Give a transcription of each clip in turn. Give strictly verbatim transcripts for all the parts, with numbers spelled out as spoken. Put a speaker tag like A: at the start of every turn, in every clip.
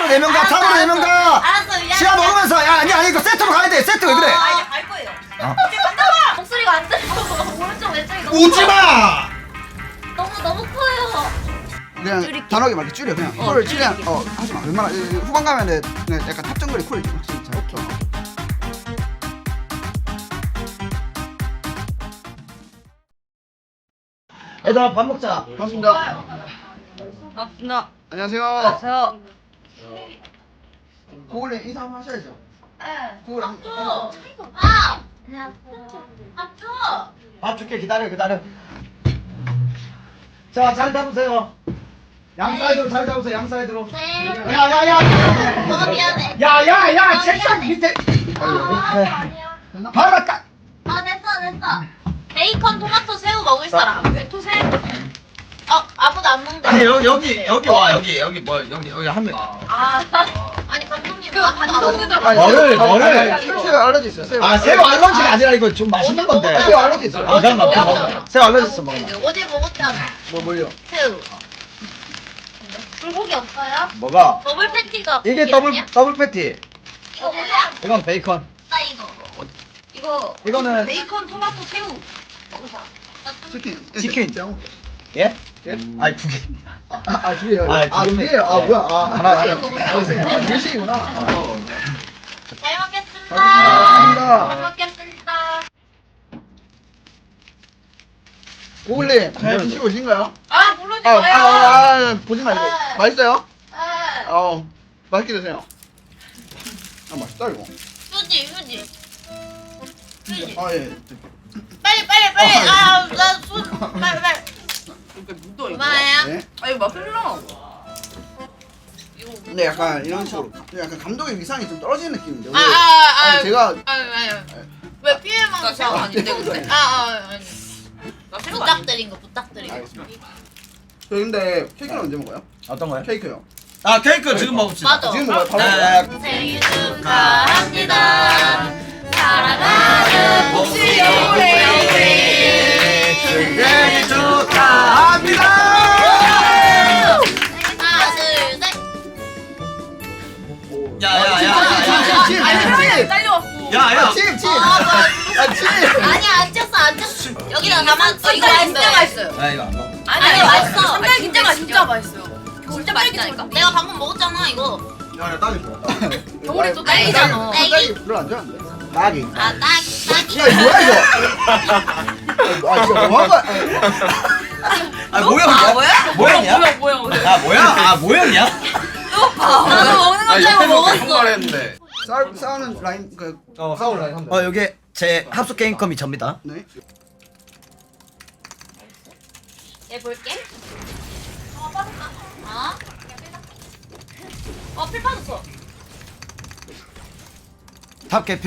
A: 네 명 가. 탑으로 네 명 가.
B: 알았어 미안해.
A: 시야 먹으면서 야 아니 아니 이거 세트로 가야 돼. 세트 왜 그래?
B: 아 이제 갈 거예요.
A: 어.
B: 이제 간다. 목소리가 안 들려. 오른쪽 왼쪽이 너무
A: 오지 마.
B: 너무 너무 커요.
C: 그냥
B: 줄일게.
C: 단호하게 말해 줄여 그냥
B: 어,
C: 콜
B: 줄일게.
C: 최대한 어 하지마 웬만하 후반 가면은 그냥 약간 탑 정글이 콜 확실히 잘 오케이
A: 얘들아 밥 먹자.
C: 반갑습니다
B: 아 나.
C: 안녕하세요
B: 저.
C: 고글님 인사 한번 하셔야죠
B: 네.
C: 고글 한
B: 아. 안녕하세요. 아프.
A: 밥 줄게 기다려 기다려. 자 잘 잡으세요. 양 사이드로 잘 잡으세요. 양 사이드로.
B: 네.
A: 야야야.
B: 어 미안해.
A: 야야야 책상 밑에.
B: 아 아니야.
A: 바로 딱.
B: 아 됐어 됐어. 베이컨, 토마토, 새우 먹을 사람. 토새. 어 아무도 안 먹는데.
A: 아니 여기 여기 여기 와 여기 여기 뭐 여기 여기 한 명.
B: 아 아니 감독님 그 감독님.
A: 뭐를, 뭐를?
C: 새우 알러지 있어요 새우
A: 아 새우 알러지가 아니라 이거 좀 맛있는 건데.
C: 새우 알러지 있어요
A: 아 잠깐만 먹어. 새우 알러지 있어 먹어.
B: 어제 먹었잖아.
C: 뭐 뭘요?
B: 새우. 불고기 없어요?
A: 뭐가?
B: 더블 패티가.
A: 이게 더블 더블 패티.
B: 이거 뭐야?
A: 이건 베이컨.
B: 나 이거. 이거.
A: 이거는
B: 베이컨, 토마토, 새우.
C: 치킨
A: 치킨.
C: 짱.
A: 예?
C: 예?
A: 아니 두 개.
C: 아아 두 개요
A: 아,
C: 아
A: 두
C: 두
A: 개네.
C: 개요 아
A: 예.
C: 뭐야 아
A: 하나,
C: 하나
A: 하나.
C: 아 둘씩이구나
B: 잘 먹겠습니다.
C: 감사합니다.
B: 잘 먹겠습니다.
C: 고글님 잘 드시고 오신가요?
B: 아 모르지
C: 아,
B: 마요.
C: 아, 아 보지 말고
B: 아.
C: 맛있어요?
B: 아,
C: 어 맛있게 드세요 아 맛있다 이거
B: 휴지 휴지. 휴지.
C: 아예
B: 빨리 빨리 빨리.
C: 아,
B: 아나손 빨리 빨리.
D: 이렇게 묻어 이거.
B: 얼마야?
C: 네?
D: 아 이거 막 흘러.
C: 근데 약간 이런 식으로 약간 감독의 위상이 좀 떨어지는 느낌인데 오늘
B: 아아아
C: 아니, 제가
B: 아니 아니. 왜 피해망?
D: 나 새우 아닌데 근데.
B: 아아 아니.
D: 나 새우 아닌데.
B: 부탁드린 거 부탁드린 거.
C: 알겠습니다. 저 근데 케이크는 언제 먹어요?
A: 어떤 거요?
C: 케이크요
A: 아 케이크 지금 먹읍시다.
B: 맞아.
C: 지금 먹어요? 바로
A: 네.
C: 먹어요?
B: 생일 축하합니다. 사랑하는 복수
A: 생일 축하합니다.
B: 하나 둘 셋.
A: 야야야야야.
C: 치, 치, 치,
D: 아니
C: 치.
D: 사람이 딸려왔어.
A: 야야.
C: 치, 치.
B: 아,
C: 아, 치.
B: 아니야 안 쪘어 안 쪘어. 여기다 가만. 어, 이거
D: 삼겹살 진짜
B: 맛있어요.
D: 맛있어요.
A: 야 이거 안 먹어.
B: 아니, 맛있어.
D: 삼겹살 진짜
B: 진짜
D: 진짜 맛있어요.
B: 진짜 맛있다니까. 내가 방금 먹었잖아 이거.
A: 야야 딸기 좋아.
D: 겨울에 또
B: 딸기잖아.
D: 딸기잖아.
B: 딸기.
C: 별로 안 좋아하는데? 딸기.
B: 아 딸기 딸기.
C: 야, 이거 뭐야, 이거? 아, 진짜 뭐한 거야?
A: 아 모형
D: 아 뭐야?
A: 모형이야?
D: 뭐야 뭐야 뭐야.
A: 아 뭐야? 아 모형이야?
B: 나도 먹는 거 잘 먹었어.
E: 했는데
C: 싸우, 싸우는 라인, 그,
A: 어 싸울라 하면 돼. 어 여기 제 합숙 게임컴이 접니다.
C: 네.
B: 얘 볼게. 어 빠졌다. 아. 어필 빠졌어.
A: 탑 개피.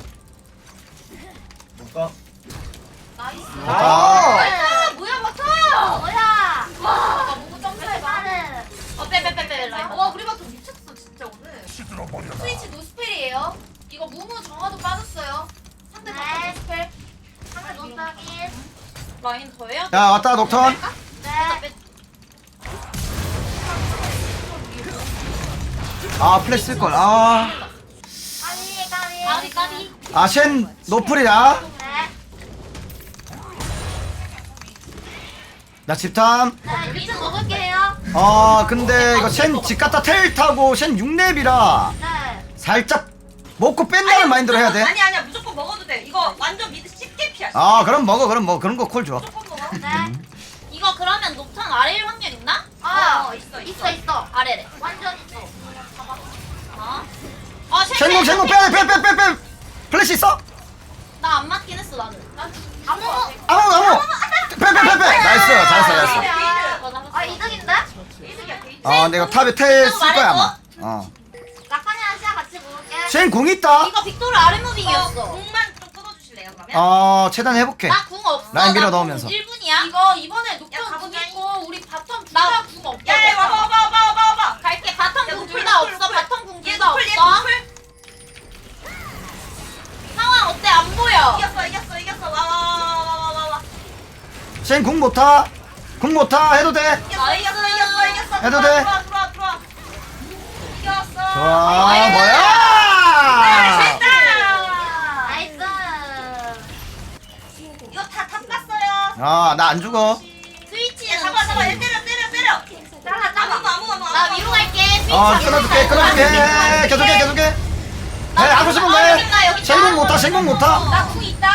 A: 볼까?
B: 나이스.
A: 아.
B: 아 뭐야 바텀. 뭐야. 와 너무 점프해 나는. 어빼빼빼빼 라인. 와 우리 바텀 미쳤어 진짜 오늘. 스위치 노스펠이에요. 이거 무무 정화도 빠졌어요. 상대 바텀 노스펠. 상대 노스펠. 라인 더해요?
A: 야 왔다 녹턴.
B: 네.
A: 아 플래시 쓸 걸. 아.
B: 까비 까비. 까비 까비.
A: 아셴 노플이야.
B: 네.
A: 나 집탐.
B: 네 미드 먹을게요.
A: 아 근데 이거 셴 집갔다 텔 타고 셴 육 렙이라
B: 네.
A: 살짝 먹고 뺀다는 마인드로 해야 돼.
D: 아니 아니야 무조건 먹어도 돼. 이거 완전 미드 쉽게 피하.
A: 아 그럼 먹어 그럼 뭐 그런 거 콜 줘.
D: 무조건 먹어.
B: 네. 이거 그러면 녹턴 아래일 확률 있나?
D: 아,
B: 어,
D: 있어,
B: 있어 있어. 아래래. 완전 있어. 어? 아,
A: 셴공 셴공 빼야 돼 빼 빼 빼 빼. 플래시 있어?
B: 나안 맞긴 했어 나는. 난 아무.
A: 아무 아무. 빼 빼 빼 빼. 나이스 잘했어 잘했어.
B: 아 이득인데?
D: 이득이야 게이트.
A: 아 내가 탑에 텔 쓸 거야 아마. 어.
B: 라카니랑 시야 같이 모을게.
A: 셴 공 있다.
B: 이거 빅토르 아래 무빙이었어.
D: 공만 좀 끊어주실래요 그러면?
A: 어 최단 해볼게.
B: 나 궁 없어.
A: 라인 밀어 넣으면서.
B: 일 분이야.
F: 이거 이번에
D: 야,
F: 녹턴 궁
D: 가보자.
F: 있고 우리 바텀
B: 나-
F: 둘다 궁 없어.
D: 야, 야, 와봐, 와봐, 와봐, 와봐, 와봐.
B: 갈게. 바텀
D: 야,
B: 궁 둘
D: 노플,
B: 다
D: 노플,
B: 없어.
D: 노플.
B: 바텀 궁
D: 얘
B: 둘 다
D: 노플, 얘
B: 없어.
D: 노플.
B: 상황 어때? 안 보여.
D: 이겼어, 이겼어, 이겼어. 와, 와, 와, 와, 와, 와.
A: 셴 공 못타. 공 못타 해도 돼.
D: 이겼어, 이겼어, 이겼어, 이겼어.
A: 해도
D: 들어와,
A: 돼.
D: 들어와, 들어와, 들어와. 이겼어.
A: 좋아
B: 아이고.
A: 뭐야
D: 됐다.
B: 나이스.
D: 이거 다 탑 갔어요.
A: 아나 안 죽어
B: 스위치는
D: 잡아 잡아 얘 때려 때려 때려.
B: 잘라 잡아.
D: 아무도 아무도 아무도.
B: 나 위로 갈게.
A: 어 끊어줄게 끊어줄게 계속해 계속해 해 하고 싶은 거해 생각 못하 생각 못하
B: 나궁 있다.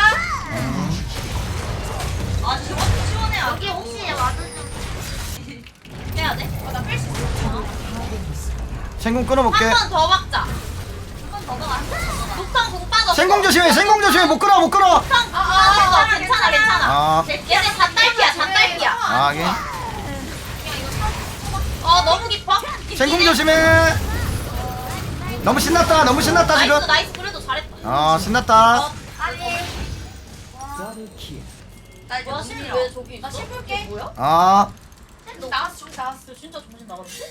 D: 아 저것도 시원해.
B: 여기 혹시 와드 좀 해야 돼? 어, 나 뺄 수 있어.
A: 생공 끊어볼게
B: 한 번 더 박자. 한 번 더 박아. 독성 공 빠졌어.
A: 생공 조심해 생공 조심해 못 끊어 못 끊어
B: 독성 공 빠졌어. 괜찮아 괜찮아.
A: 아
B: 얘네 잣딸피야 잣딸피야.
A: 아, 하긴
B: 어 너무 깊어.
A: 생공 조심해 너무 신났다 너무 신났다 지금
B: 나이스 나이스 그래도 잘했다.
A: 어 신났다
B: 어, 아니. 나 뭐야 실왜 저기 있어? 나 실볼게. 뭐야?
A: 아
B: 나왔어 좀 나왔어. 진짜 정신 나갔는데?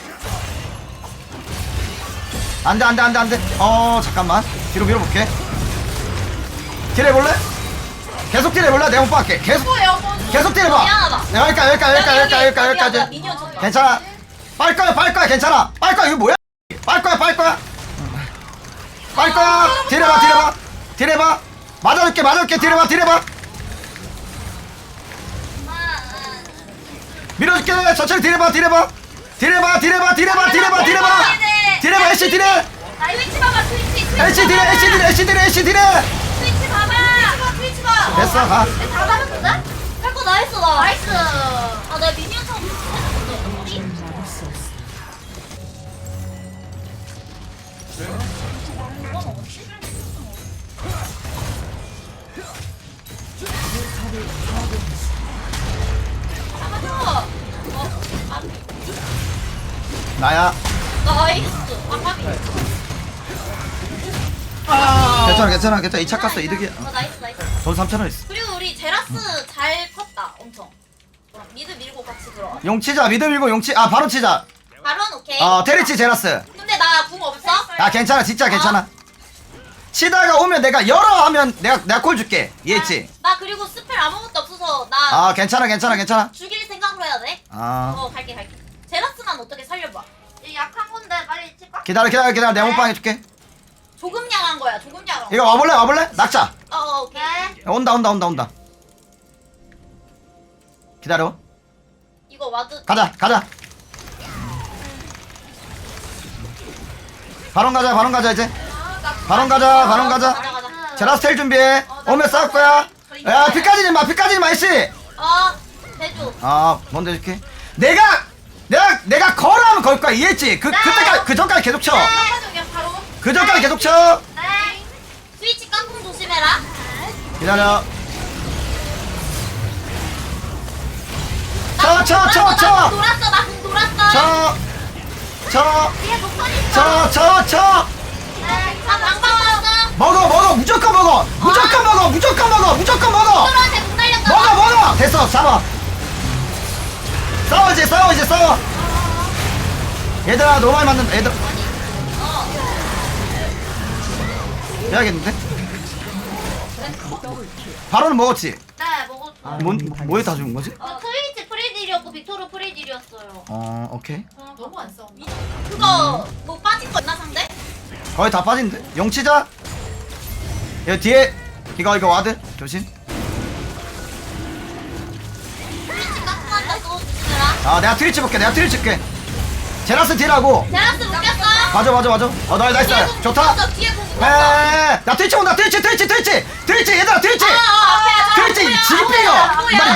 A: 안돼 안돼 안돼 안돼 어 잠깐만 뒤로 밀어볼게 딜해볼래? 계속 딜해볼래? 내가 못 받게 계속
B: 뭐예요?
A: 계속 딜해봐
B: 미안하다.
A: 여기까지 여기까지 여기까지 여기까지 여기까지 여기까지
B: 미니언 쳤다.
A: 괜찮아 빨 거야 빨 거야 괜찮아 빨 거야 이거 뭐야 빨 거야 빨 거야 빨 거야 딜해봐 딜해봐 딜해봐 맞아줄게 맞아줄게 딜해봐 딜해봐 밀어줄게 천천히 딜해봐 딜해봐 딜해봐 딜해봐 딜해봐 딜해봐 딜해봐 딜해봐 애쉬 딜해
B: 나 스위치 봐봐 스위치 스위치.
A: 애쉬 딜해 애쉬 딜해 애쉬 딜해 애쉬 딜해
B: 스위치 봐봐. 스위치 봐.
A: 됐어 가
B: 다 잡았는데? 할거 다 했어 나. 나이스. 아나 미니언 처음 했어. 잡아줘. 어, 아,
A: 나야
B: 나이스. 아, 파비.
A: 괜찮아 괜찮아 괜찮아 이 차 깠어 이득이야
B: 아, 나이스, 나이스.
A: 돈 삼천 원 있어
B: 그리고 우리 제라스 잘 컸다, 엄청. 어, 미드 밀고 같이 들어와.
A: 용치자 미드 밀고 용치 아 바로 치자
B: 바론 오케이.
A: 어 테리치 제라스
B: 근데 나 궁 없어?
A: 아 괜찮아 진짜 괜찮아 치다가 오면 내가 열어 하면 내가 내가 콜 줄게 이해했지?
B: 나 그리고 스펠 아무것도 없어서 나
A: 아 괜찮아 괜찮아 괜찮아
B: 죽일 생각으로 해야 돼.
A: 아
B: 어, 갈게, 갈게. 제라스만 어떻게 살려봐. 약한 건데 빨리 칠까?
A: 기다려 기다려 기다려 내가 몸빵 해줄게
B: 조금 양한 거야, 조금 양한 거.
A: 이거 와볼래 와볼래? 낙자
B: 어, 어, 오케이.
A: 온다 온다 온다 온다 기다려
B: 이거 와드.
A: 가자 가자 바론 가자 바론 가자 이제 바론 가자 바론 가자
B: 가자, 가자.
A: 제라스 텔 준비해 오면 싸울 거야 야 피까지는 마 피까지는 마 이씨
B: 어, 대주.
A: 아 뭔데 이렇게 내가 내가 내가 걸으면 걸 거야 이해했지? 그 그때까지 그 전까지 계속 쳐.
B: 그냥 바로.
A: 그 전까지 계속 쳐.
B: 네. 스위치 깡통 조심해라.
A: 기다려. 쳐 쳐 쳐 쳐.
B: 돌았어, 나궁 돌았어.
A: 쳐. 쳐.
B: 뒤에 목선 있어.
A: 쳐 쳐 쳐.
B: 네. 아, 방방 왔어.
A: 먹어 먹어 무조건 먹어. 무조건 먹어 무조건 먹어 무조건 먹어.
B: 서로한테 궁 날렸다.
A: 먹어 먹어. 됐어 잡아. 싸워 이제 싸워 이제 싸워. 얘들아 너무 많이 맞는다 얘들. 해야겠는데? 바로는 먹었지?
B: 네, 먹었어.
A: 뭔, 뭐에 다 죽은 거지?
B: 어, 트위치 프리딜이었고 빅토르 프리딜이었어요.
A: 어 오케이
B: 너무 안 싸워. 그거 뭐 빠진 거 있나 상대?
A: 거의 다 빠진데? 용치자 여기 뒤에 이거 이거 와드 조심
B: 트위치 깎고한다 또 조심해라.
A: 아 내가 트위치 볼게 내가 트위치 볼게 제라스 딜하고
B: 제라스 묶였어.
A: 맞아 맞아 맞아 어 나, 나이스
B: 뒤에 공
A: 좋다
B: 묶었어, 뒤에 공 묶었어.
A: 에나 트위치 온다 트위치 트위치 트위치 트위치 얘들아 트위치
B: 어, 어, 앞에
A: 트위치
B: 뭐야,
A: 지금 빼요
B: 뭐야.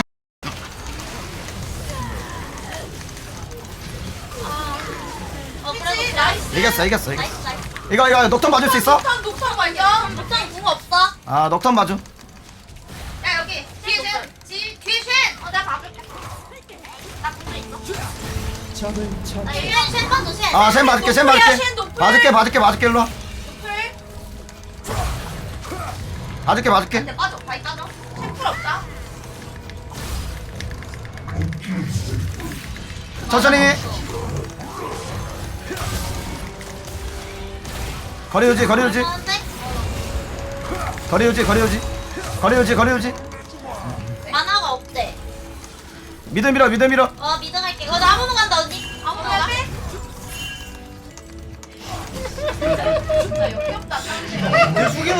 B: 어, 그래도 나이스.
A: 이겼어 이겼어 이겼어
B: 나이스, 나이스.
A: 이거 이거 녹턴 봐줄 수 있어?
B: 녹턴, 녹턴 발견. 녹턴 궁 없어.
A: 아 녹턴 봐줘
B: 야, 여기. 뒤에 쉔. 뒤, 뒤에 쉔. 어, 내가 봐줄게. 나 궁도 있어. 나 쉔, 쉔 봐줘, 쉔.
A: 아샘 봐줄게 샘 봐줄게 봐줄게 봐줄게 봐줄게 일로와
B: 풀.
A: 봐줄게 봐줄게
B: 근데 빠져, 바이 빠져. 쉔풀 없다.
A: 천천히 거리 유지 거리 유지
B: 얼마인데?
A: 거리 유지 거리 유지 거리 유지 거리 유지
B: 만화가 없대.
A: 미드 밀어 미드 밀어
B: 어, 미드 갈게. 어, 나 아무모 간다, 언니. 아무모 가. 진짜 역겹다.
A: 내 숙이노.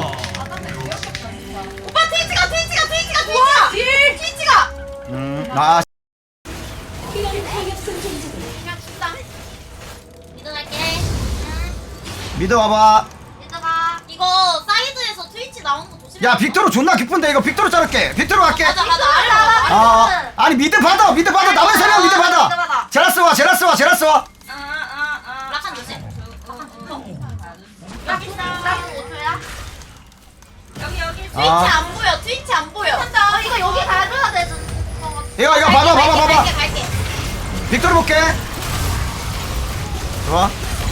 B: 오빠 트위치가 트위치가 트위치가 트위치가 딜 트위치가.
A: 음아
B: 그냥 죽다. 미드 갈게.
A: 미드 와봐.
B: 미드가 이거 사이드에서 트위치 나오는 거 조심해.
A: 야 빅토르 존나 기쁜데 이거 빅토르 자를게. 빅토르 갈게.
B: 가자 가자 알아.
A: 아 아니 미드 받아 미드 받아 남의 세명 미드 받아. 제라스 와 제라스 와 제라스 와.
D: 아아아
B: 라칸 조심. 라칸 라칸 오토야.
D: 여기 여기
B: 트위치
A: 아.
B: 안 보여. 트위치 안 보여. 어, 이거 여기 가줘야 돼.
A: 이거 이거 봐봐 봐봐 봐봐.
B: 갈게 갈게.
A: 빅토르 볼게. 좋아.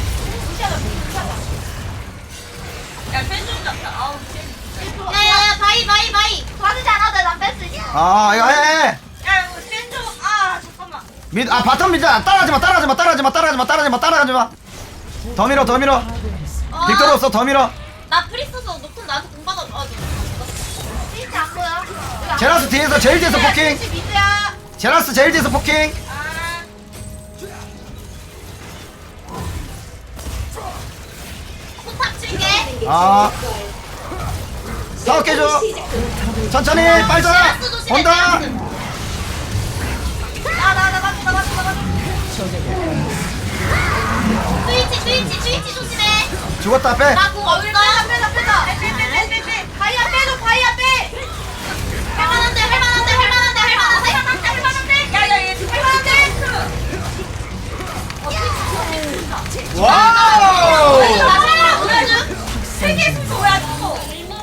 D: 야 펜좀 잡자 아우
B: 야야야 바이 바이 바이. 가지지 않아도 돼. 난 뺄 수 있어.
A: 아 이거 해. 해.
D: 야 이거 펜좀아 잠깐만
A: 미드 아 바텀 미드 따라하지 마 따라하지 마 따라하지 마 따라하지 마 따라하지 마 따라하지 마. 더 밀어 더 밀어.
B: 어.
A: 빅토르 없어 더 밀어.
B: 나 프리스서 높은 나한테 공 받아. 아, 트위치 안 보여.
A: 제라스 뒤에서 제일 뒤에서 포킹.
B: 트위치 미드야.
A: 제라스 제일 뒤에서 포킹.
D: 아
B: 포탑 칠게.
A: 아 사업 깨줘. 천천히 빨리 자. 온다.
B: 나나나 맞다 맞다 맞다. 트위치 트위치 트위치 조심해.
A: 죽었다 빼.
B: 나공 없어. 빼다 빼다 빼다. 빼빼빼빼빼. 바이야 빼줘 바이야 빼. 할만한데 할만한데 할만한데 할만한데 할만한데 할만한데. 야야 얘 할만한데.
A: 와우.
B: 나 살아 보여줘. 세계 뭐야 또.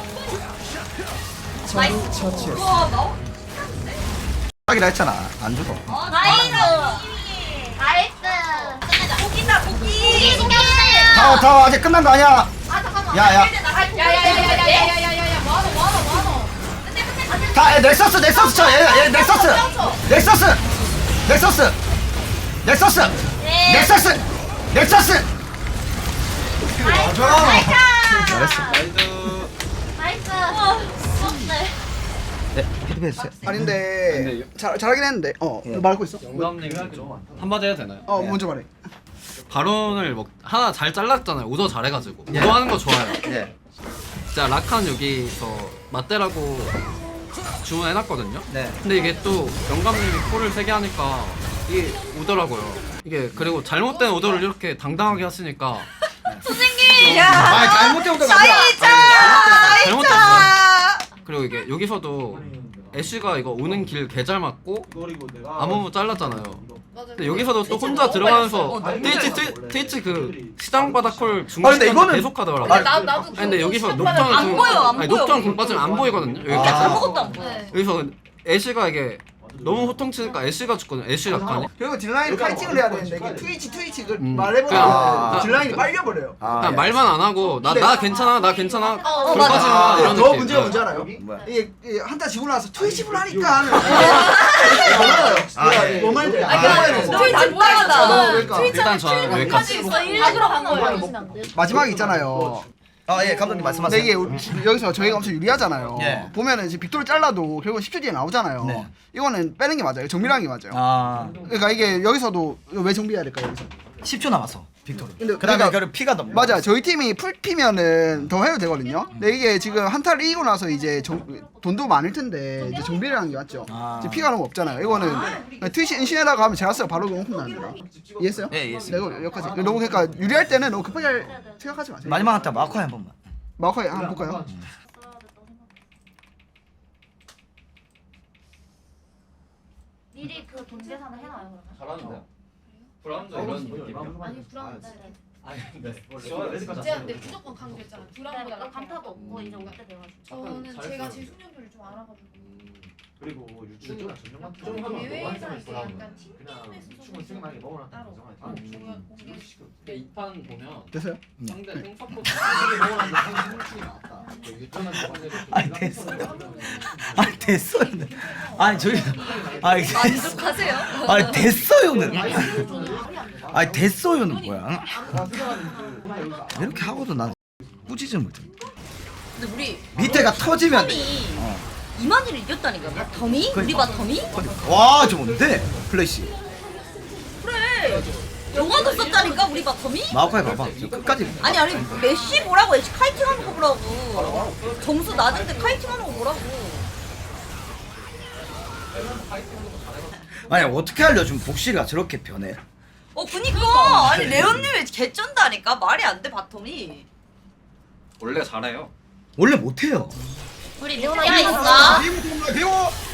B: 나이스.
D: 우와 나오
A: 하기라 했잖아. 안 죽어.
D: 어
B: 나이스. 나이스. 끝내자.
D: 고기다 고기
B: 고기 신경쓰세요.
A: 타워 타워 아직 끝난 거 아니야.
B: 아 잠깐만.
A: 야, 야.
B: 야야야야야야야야야야 뭐하노 뭐하노 뭐하노. 근데 근데
A: 다 에, 넥서스 넥서스 쳐. 얘, 얘 넥서스. 넥서스. 넥서스. 넥서스.
B: 네.
A: 넥서스. 넥서스.
B: 나이스.
A: 맞아.
B: 나이스.
A: 잘했어.
B: 나이스. 네.
A: 네, 피드백
C: 아닌데 잘 잘하긴 했는데 어 말고 있어.
E: 영감님이 좀 한마디 해도 되나요?
C: 어 먼저 말해.
E: 바론을 먹 하나 잘 잘랐잖아요. 우도 잘해가지고
A: 예.
E: 우도 하는 거 좋아요.
A: 예.
E: 진짜 라칸 여기서 맞대라고 주문해놨거든요.
A: 네.
E: 근데 이게 또 영감님이 콜을 세게 하니까 이게 오더라고요. 이게 그리고 잘못된 오더를 이렇게 당당하게 하시니까
B: 선생님.
A: 아, 잘못된 것도
E: 잘못됐어요. 그리고 이게 여기서도 애쉬가 이거 오는 길 개 잘 맞고 아무무 잘랐잖아요. 근데 여기서도 또 혼자 들어가면서 트위치 트위- 트위치 그 시장 바닥 콜
A: 아,
E: 중간
A: 근데 이거는-
E: 계속 하더라고요.
A: 아니,
B: 나 나도.
E: 아니, 근데 여기서 녹턴
D: 안 보여, 안
E: 아니,
D: 보여.
E: 녹턴 공 빠지면 안 보이거든요. 여기까지.
A: 아.
D: 아무것도 안 보여
B: 네.
E: 여기서 애쉬가 이게 너무 호통치니까 애쉬가 죽거든요. 애쉬 라칸이.
C: 그리고 딜라인 파이팅을 해야 되는데 이게 트위치 트위치 그
E: 음.
C: 말해보면
E: 아.
C: 딜라인이 빨려버려요.
A: 아,
E: 그냥
A: 예.
E: 말만 안 하고 나 나 괜찮아 나 괜찮아
B: 어,
E: 돌 빠지마
A: 맞아.
E: 이런
C: 더
E: 느낌.
C: 문제가
E: 네.
C: 뭔지 알아요?
A: 뭐야?
C: 이게, 이게 한타 지고 나서 트위치를 하니까 하는
A: 아, 예.
C: 뭐 말인지
A: 아,
C: 알아요?
B: 트위치 못하겠다.
C: 그러니까
E: 일단 저는 여기까지.
B: 일부러 간 거예요.
C: 마지막에 있잖아요.
A: 아, 예, 감독님 말씀하세요.
C: 근데 이게 우리- 여기서 저희가 엄청 유리하잖아요.
A: 예.
C: 보면은 이제 빅토르 잘라도 결국 십 초 뒤에 나오잖아요.
A: 네.
C: 이거는 빼는 게 맞아요. 정밀하는 게 맞아요.
A: 아,
C: 그러니까 이게 여기서도 이거 왜 정비해야 될까요? 여기서?
A: 십 초 남았어. 빅토르.
C: 근데
A: 그다음에
C: 그러니까-
A: 그 피가 너무
C: 맞아. 저희 팀이 풀피면은 더 해도 되거든요. 근데 이게 지금 한타를 이기고 나서 이제 정, 돈도 많을 텐데 이제 정비를 하는 게 맞죠.
A: 아.
C: 이제 피가 너무 없잖아요. 이거는 그냥 트위치 인신에다가 하면 제가 써요. 바로 용품 나옵니다. 이해했어요?
A: 예, 이해했어요.
C: 내가 여기까지. 너무 그러니까 유리할 때는 너무 급하게 할- 생각하지 마세요.
A: 마지막 한타 마커 한 번만.
C: 마커에 한번 볼까요?
B: 미리 그 돈 계산을 해놔요 그러면.
E: 잘하는데요? 불안도 이런 느낌.
B: 아니 불안한데.
E: 아니 근데
F: 제가 근데 무조건 강조했잖아.
B: 그러니까
F: 불안보다
B: 감타도 없고 이제 올 때 돼가지고.
F: 저는
E: 잘했어요.
F: 제가 제 숙련도를 좀 알아가지고
G: 그리고 유충이나 전용 같은
F: 좀
G: 거
F: 예외에서 이제
G: 보라고.
F: 약간
G: 그냥
F: 팀게임에서
G: 유충을 생각하게 먹으라
F: 따로
G: 정하지.
F: 아,
E: 음.
F: 중요한 공개
E: 이 판 보면
C: 됐어요?
E: 상대 생사포
A: 아니, 됐어요. 아니, 됐어요. 아니, 저기 아니,
D: 만족하세요?
A: 아니, 됐어요는. 아니, 됐어요는 뭐야? 이렇게 하고도 난 꾸짖음을 못해.
D: 근데 우리
A: 밑에가 터지면
D: 텀이 이만희를 이겼다니까 텀이? 우리 바 텀이?
A: 와, 좋은데? 플래시.
D: 그래 영화도 썼다니까 우리 바텀이?
A: 마오카이 봐봐. 저 끝까지.
D: 아니 아니 메시 보라고 애쉬 카이팅하는 거 보라고. 점수 낮은데 카이팅하는 거 보라고.
A: 아니 어떻게 알려주면 복실이가 저렇게 변해?
D: 어 그니까 아니 레온님이 개쩐다니까 말이 안 돼 바텀이.
E: 원래 잘해요.
A: 원래 못해요.
B: 우리 리오나 있어.
A: 비고 들어오라 비고.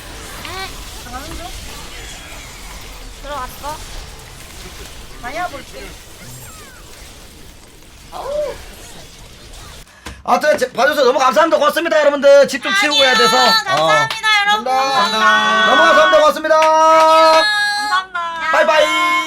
B: 들어갔어. 다녀 볼게.
A: 아무튼 제- 봐줘서 너무 감사합니다. 고맙습니다 여러분들. 집 좀 치우고 해야 돼서.
B: 감사합니다
A: 어.
B: 여러분.
A: 감사합니다. 너무 감사합니다. 고맙습니다.
D: 감사합니다.
A: 바이바이.